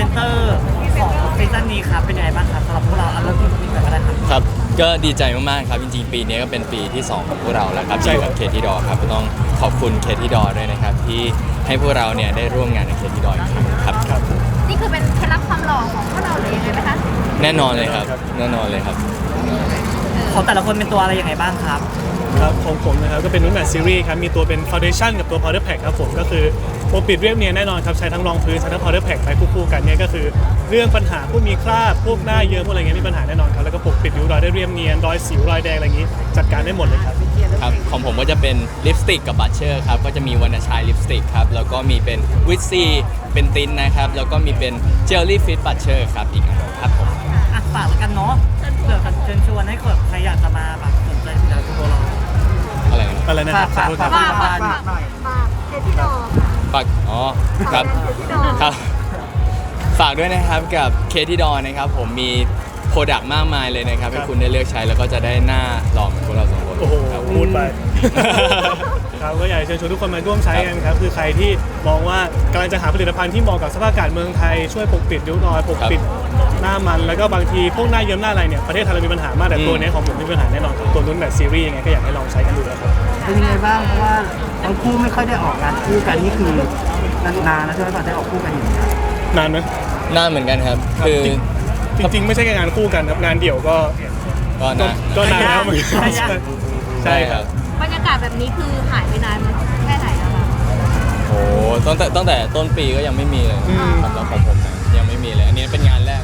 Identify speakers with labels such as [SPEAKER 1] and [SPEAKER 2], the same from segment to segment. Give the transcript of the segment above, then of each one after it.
[SPEAKER 1] เตอร์ของซีซั่นนี้ครับเป็นยังไงบ้างครับสำหรับพวกเราเริ่มที่นี่ก่อนก็ได้ครับ
[SPEAKER 2] ครับก็ดีใจมากๆครับจริงๆปีนี้ก็เป็นปีที่2ของพวกเราแล้วครับที่อยู่กับเคที่ดอครับก็ต้องขอบคุณเคที่ดอด้วยนะครับที่ให้พวกเราเนี่ยได้ร่วมงานกับเคที่ดออีกครั้งครับ
[SPEAKER 3] นี่คือเป็นเคล็ดลับความหล่อของพวกเราหรือยังไงไหมคะ
[SPEAKER 2] แน่นอนเลยครับแน่นอนเลยครับ
[SPEAKER 1] ของแต่ละคนเป็นตัวอะไรยังไงบ้างครับ
[SPEAKER 4] ครับของผมนะครับก็เป็นนุ่นแมทซีรีส์ครับมีตัวเป็น Foundation กับตัว Powder Pack ครับผมก็คือปกปิดเรียบเนียนแน่นอนครับใช้ทั้งรองพื้นใช้ทั้ง Powder Pack ไปคู่ๆกันเนี่ยก็คือเรื่องปัญหาพวกมีคราบพวกหน้าเยิ้มพวกอะไรเงี้ยมีปัญหาแน่นอนครับแล้วก็ปกปิดริ้วรอยได้เรียบเนียนรอยสิวรอยแดงอะไรอย่างงี้จัดการได้หมดเลยครับ
[SPEAKER 2] ครับของผมก็จะเป็นลิปสติกกับบัตเชอร์ครับก็จะมีวรรณชัยลิปสติกครับแล้วก็มีเป็นวิตซีเป็นตินนะครับแล้วก็มีเป็นเจลลี่ฟิตบัตเชอร์ครับอีกอันครับผม
[SPEAKER 1] อ่ะฝากแล้วกันเนาะเผื่อเชิญชวนให้คนใครอยากจะมาแบบสนใจผลิตภัณฑ์ตัวเรา
[SPEAKER 2] อะไรนะ
[SPEAKER 4] อะไรนะครับขอโทษครับ
[SPEAKER 1] ฝากหน่อย
[SPEAKER 3] เคที่ดอ
[SPEAKER 2] ฝากอ๋อครับครับฝากด้วยนะครับกับเคที่ดอนะครับผมมีโปรดักต์มากมายเลยนะครับให้คุณได้เลือกใช้แล้วก็จะได้หน้าหล่อเหมือนพวกเราสองคน
[SPEAKER 4] โอ้โห
[SPEAKER 2] ครับ
[SPEAKER 4] พูดไป ครับก็อยากจะเชิญชวนทุกคนมาร่วมใช้กันครับคือใครที่มองว่ากำลังจะหาผลิตภัณฑ์ที่เหมาะกับสภาพอากาศเมืองไทยช่วยปกปิดริ้วรอยปกปิดหน้ามันแล้วก็บางทีพวกหน้าเยิ้มหน้าอะไรเนี่ยประเทศไทยเรามีปัญหามากแต่ตัวนี้ของผมไม่มีปัญหาแน่นอนครับตัวนุ่นแบบซีรีส์ยังไงก็อยากให้ลองใช้กันดูนะครับ
[SPEAKER 5] เป็นยังไงบ้างเพราะว่าทั้งคู่ไม่ค่อยได้ออกงานคู่กันนี่คือนานๆนะใช่ไหมก่อนได้ออกคู่กันอย่างนี้ย
[SPEAKER 4] นานไหม
[SPEAKER 2] หน้าเหมือนกันครับคือ
[SPEAKER 4] จริงๆไม่ใช่แค่งานคู่กันครับงานเดี่ยวก็
[SPEAKER 2] ก็นะ
[SPEAKER 4] นานแล้วเหมือนกัน
[SPEAKER 2] ใช่ครับ
[SPEAKER 3] บรรยากาศแบบนี้คือหายไปนานแค่ไหนแล้วคะ
[SPEAKER 2] โอ้ตั้งแต่ต้นปีก็ยังไม่มีเลยสำหรับของผมนะยังไม่มีเลย อันนี้เป็นงานแรก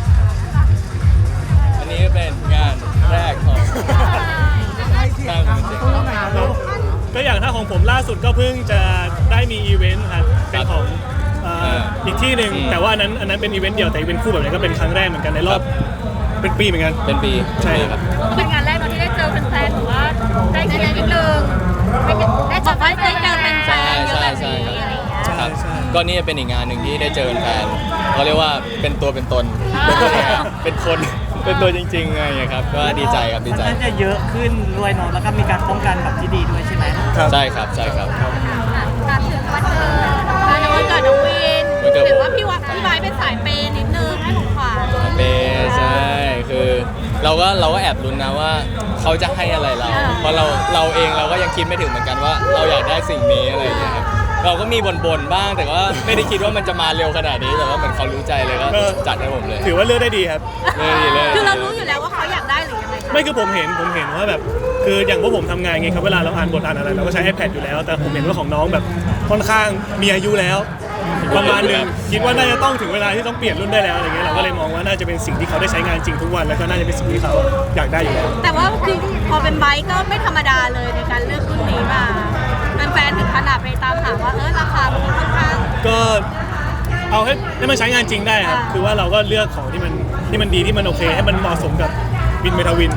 [SPEAKER 2] อันนี้เป็นงานแรกของสร้างเป็นเด็ก
[SPEAKER 4] ก็อย่างถ้าของผมล่าสุดก็เพิ่งจะได้มีอีเวนต์ครับเป็นของอีกที่หนึ่งแต่ว่าอันนั้นเป็นอีเวนต์เดี่ยวแต่อีเวนต์คู่แบบนี้ก็เป็นครั้งแรกเหมือนกันในรอบเป็นปีเหมือนกัน
[SPEAKER 2] เป็นปี
[SPEAKER 4] ใช่ครับ
[SPEAKER 3] เป็นงานแรกเนาะที่ได้เจอแฟนๆหรือว่าได้เจอนิดนึงได้เจอแฟนๆ
[SPEAKER 2] ใช่
[SPEAKER 3] เยอะแบบ
[SPEAKER 2] ใช่
[SPEAKER 3] นี้อะไรอย่างเงี้ย
[SPEAKER 2] ครับก็นี่เป็นอีกงานหนึ่งที่ได้เจอแฟนเขาเรียกว่าเป็นตัวเป็นตน เป็นคนเป็นตัวจริงๆไงครับก็ดีใจครับดีใจ
[SPEAKER 1] มันจะเยอะขึ้นด้วยเนาะแล้วก็มีการป้องกันแบบที่ดีด้วยใช่ไหม
[SPEAKER 2] ใช่ครับใช่ครับ
[SPEAKER 3] ถามถึงวันเกิดวันเกิดน้องวิน
[SPEAKER 2] วันเกิด
[SPEAKER 3] เห็นว่าพี่ไม้เป็นสายเปย์นิดนึงให้ของขวัญ
[SPEAKER 2] เปย์ใช่คือเราก็แอบลุ้นนะว่าเขาจะให้อะไรเรา เพราะเราเองเราก็ยังคิดไม่ถึงเหมือนกันว่าเราอยากได้สิ่งนี้อะไรอย่างเงี้ยครับเราก็มีบ่นๆบ้างแต่ว่าไม่ได้คิดว่ามันจะมาเร็วขนาดนี้แต่ว่าเหมือนเขารู้ใจเลยก็จัดให้ผมเลย
[SPEAKER 4] ถือว่าเลือกได้ดีครับ
[SPEAKER 2] เลย
[SPEAKER 3] คือเรารู้อยู่แล้วว่าเขาอยากได้หรือยังไงคะ
[SPEAKER 4] ไม่คือผมเห็นว่าแบบคืออย่างพวกผมทำงานไงครับเวลาเราอ่านบทอ่านอะไรเราก็ใช้ iPad อยู่แล้ว แต่ผมเห็นว่าของน้องแบบค่อนข้างมีอายุแล้วประมาณนึงคิดว่าน่าจะต้องถึงเวลาที่ต้องเปลี่ยนรุ่นได้แล้วอะไรเงี้ยเราก็เลยมองว่าน่าจะเป็นสิ่งที่เขาได้ใช้งานจริงทุกวันแล้วก็น่าจะเป็นสิ่งที่เขาอยากได้อยู่แล้ว
[SPEAKER 3] แต่ว่าคือพอเป็นไบค์ก็ไม่ธรรมดาเลยในการเลือกรุ่นนี้มาแฟนๆถึงขนาดไปตามหาว่าราคามันค่อนข้าง
[SPEAKER 4] ก็เอาให้มันใช้งานจริงได้ครับคือว่าเราก็เลือกของที่มันดีที่มันโอเคให้มันเหมาะสมกับวินเมทาวิน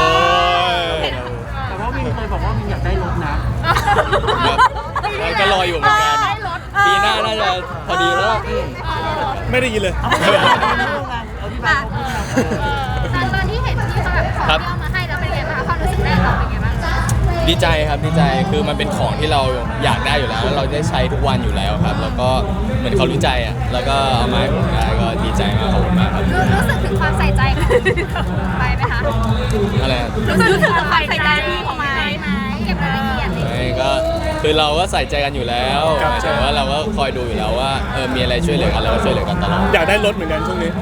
[SPEAKER 5] แต่ว่าวินเคยบอกว่าวินอยากได้รถนะ
[SPEAKER 2] ก็รออยู่เหมือนกันปีหน้าน่าจะพอดีแล้ว
[SPEAKER 4] ไม่ได้ยินเลย
[SPEAKER 5] เอาที่บ้านเขาพูดนะ
[SPEAKER 3] ตอนที่เห็นที่เขาแบบขอเอามาให้แล้วเป็นไงบ้างความรู้สึกแรกเราเป็นไงบ้าง
[SPEAKER 2] ดีใจครับดีใจคือมันเป็นของที่เราอยากได้อยู่แล้วแล้วเราได้ใช้ทุกวันอยู่แล้วครับ แล้วก็เหมือนเขารู้ใจอ่ะแล้วก็เอามาให้ผมได้ก็ดีใจมากขอบคุณมากครับ
[SPEAKER 3] รู้สึกถึงความใส่ใจไปไหมคะ
[SPEAKER 2] อะไรนะ
[SPEAKER 3] รู้สึกถึงความใส่ใจพี่เขาไหมเก็บรายละเอียดเลย
[SPEAKER 2] ไม่ก็คือเราก็ใส่ใจกันอยู่แล้วหมายถึงว่าเราก็คอยดูอยู่แล้วว่ามีอะไรช่วยเหลือกันเราก็ช่วยเหลือกันตลอด
[SPEAKER 4] อยากได้รถเหมือนกันช่วงนี้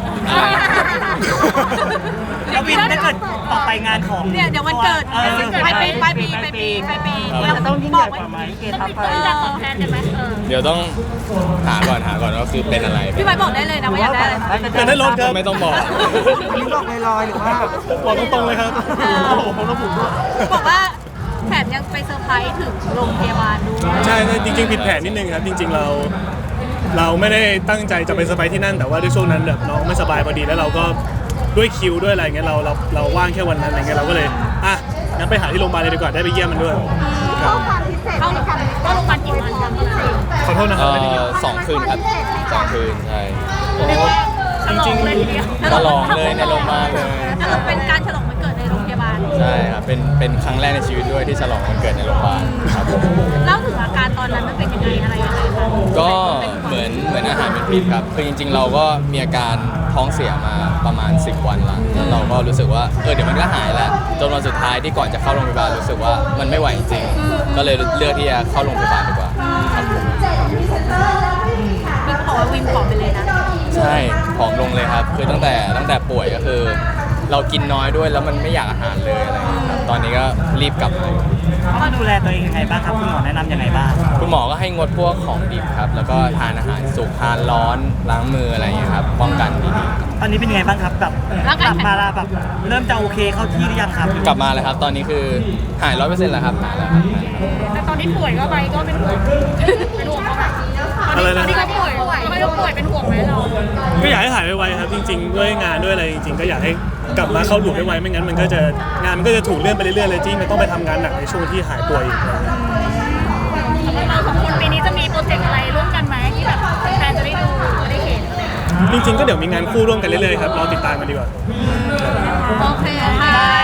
[SPEAKER 1] แล้ววินถ้าเกิดต่อไปงานของ
[SPEAKER 3] เนี่ยเดี๋ยววันเกิดปลายปี
[SPEAKER 5] จะต้องยิ่งใหญ่กว่าไหมเกทับไป
[SPEAKER 3] ต้องของแทนกันไหม
[SPEAKER 2] เดี๋ยวต้องหาก่อนว่าคือเป็นอะไร
[SPEAKER 3] พี่ไบบอกได้เลยนะว่าอยากได้อะไร
[SPEAKER 4] อยากได้รถครับ
[SPEAKER 2] ไม่ต้องบอก
[SPEAKER 5] วินบอกลอยๆหรือว่า
[SPEAKER 4] บอกตรงๆเลยครับผมระบุด้วย
[SPEAKER 3] บอกว่าแถมยังไปเซอร์ไพรส์ถึงโรงพยาบาลด้วย
[SPEAKER 4] ใช่จริงๆผิดแผนนิดนึงครับจริงๆเราไม่ได้ตั้งใจจะไปเซอร์ไพรส์ที่นั่นแต่ว่าด้วยช่วงนั้นแบบน้องไม่สบายพอดีแล้วเราก็ด้วยคิวด้วยอะไรเงี้ยเราว่างแค่วันนั้นอะไรเงี้ยเราก็เลยงั้นไปหาที่โรงพยาบาลเลยดีกว่าได้ไปเยี่ยมมันด้วยครับ
[SPEAKER 3] เข้าโรงพยาบาลกี่วันครับ
[SPEAKER 4] ขอโทษนะครับไม่ได้ยิน
[SPEAKER 2] 2 คืนครับ2 คืนใช่
[SPEAKER 4] จริงๆ
[SPEAKER 2] ฉลองเลยในโรงพยาบาลเลย
[SPEAKER 3] แต่เราเป็นการฉลองวันเกิดในโรงพยาบาล
[SPEAKER 2] ใช่ครับเป็นครั้งแรกในชีวิตด้วยที่ฉลองวันเกิดในโรงพยาบาลครับผม
[SPEAKER 3] เล่าถึงอาการตอนนั้นมันเป็นยังไงอะไรยังไงคะ
[SPEAKER 2] ก็เหมือนอาหารเป็นพิษครับคือจริงๆ เราก็มีอาการท้องเสียมาประมาณ10 วันละแล้วเราก็รู้สึกว่าเดี๋ยวมันก็หายแล้วจนวันสุดท้ายที่ก่อนจะเข้าโรงพยาบาลรู้สึกว่ามันไม่ไหวจริงๆก็เลยเลือกที่จะเข้าโรงพยาบาลดีกว่าครับผม
[SPEAKER 3] วินบอกว่าวินผอมไปเลยนะ
[SPEAKER 2] ใช่ผอมลงเลยครับคือตั้งแต่ป่วยก็คือ เรากินน้อยด้วยแล้วมันไม่อยากอาหารเลยอะไรอย่างเงี้ยครับตอนนี้ก็รีบกลับมา
[SPEAKER 1] เขาดูแลตัวเองยังไงบ้างครับคุณหมอแนะนำยังไงบ้าง
[SPEAKER 2] คุณหมอก็ให้งดพวกของดิบครับแล้วก็ทานอาหารสุกทานร้อนล้างมืออะไรอย่างเงี้ยครับป้องกันดีๆ
[SPEAKER 1] ตอนนี้เป็นยังไงบ้างครับแบบกลับมาแล้วแบบเริ่มจะโอเคเข้าที่หรือยังครับ
[SPEAKER 2] กลับมาแล้วครับตอนนี้คือหาย 100%แล้วครับหายแล้วครับ
[SPEAKER 3] แต่ตอนที่ป่วยก็ไปก็เป็นห่วงเขาแบบ
[SPEAKER 4] อะไรนะ
[SPEAKER 3] ตอนที่เขาป่วยเป็นห่วงไหมเรา
[SPEAKER 4] ก็อยากให้หายไวๆครับจริงๆด้วยงานด้วยอะไรจริงๆก็อยากให้กลับมาเข้าหลูปไวๆไม่งั้นมันก็จะงานมันก็จะถูกเลื่อนไปเรื่อยๆเลยจริงมันต้องไปทำงานหนักในช่วงที่หายป่วยอีกอะไรเงี้ย
[SPEAKER 3] เราสองคนปีนี้จะมีโปรเจกต์อะไรร่วมกันไหมที่แบบแฟนจะได้ดูจะได้เห็นอะไรอย่างเงี้ย
[SPEAKER 4] จริงๆก็เดี๋ยวมีงานคู่ร่วมกันเรื่อยๆครับเราติดตามกันดีกว่า
[SPEAKER 3] โอเคค่ะ